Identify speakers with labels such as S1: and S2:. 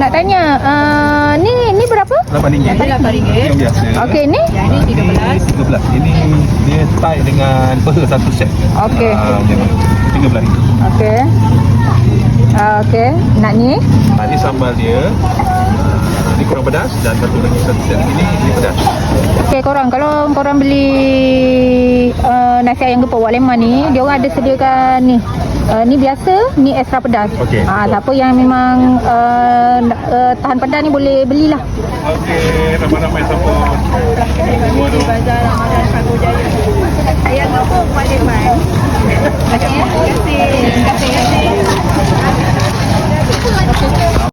S1: nak tanya, ni berapa?
S2: RM8.
S3: RM8.
S2: Yang biasa.
S1: Okey, ni?
S3: Yang ni 13.
S2: Ini dia tie dengan peha satu set.
S1: Okey.
S2: RM13.
S1: Okey. Okey. Nak ni?
S2: Ini sambal dia. Ini kurang pedas dan satu lagi satu set lagi ni pedas.
S1: Okey, kalau korang beli nasi ayam gepuk Wak Lemah ni, dia orang ada sediakan ni. Ni biasa, ni extra pedas.
S2: Okey.
S1: Siapa yang memang tahan pedas ni boleh belilah.
S2: Okey, ramai-ramai support.
S3: Di Bazar Ramadan Sago Jaya. Ayam gepuk Wak Lemah. Terima kasih. Terima kasih.